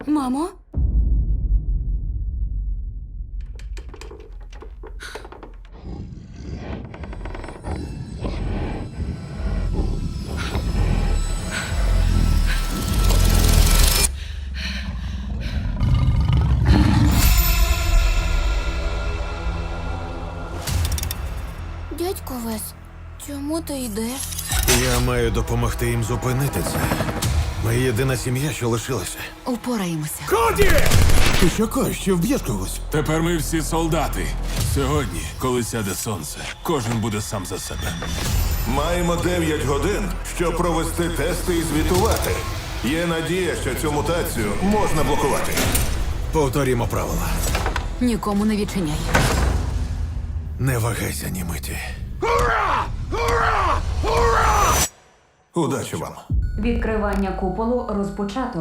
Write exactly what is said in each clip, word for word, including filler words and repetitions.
Мамо? Дядько Вес, чому ти йдеш? Я маю допомогти їм зупинити це. Ми єдина сім'я, що лишилася. Упораємося. Коді! Ти що кажеш, що вб'єш когось? Тепер ми всі солдати. Сьогодні, коли сяде сонце, кожен буде сам за себе. Маємо дев'ять годин, щоб провести тести і звітувати. Є надія, що цю мутацію можна блокувати. Повторімо правила. Нікому не відчиняй. Не вагайся ні миті. Удачі вам. Відкривання куполу розпочато.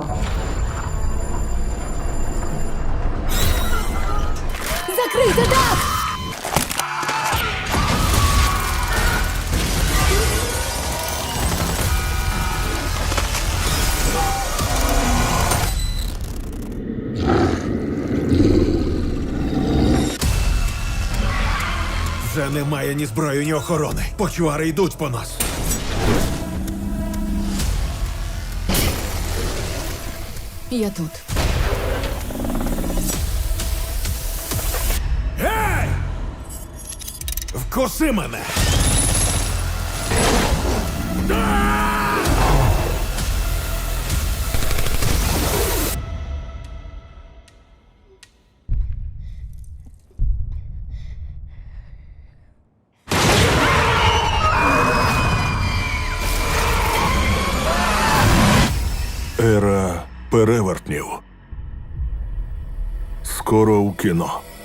Закрийте дах! Вже немає ні зброї, ні охорони. Почвари йдуть по нас. Я тут. Гей! Вкуси мене! Ера перевертнів. Скоро у кіно.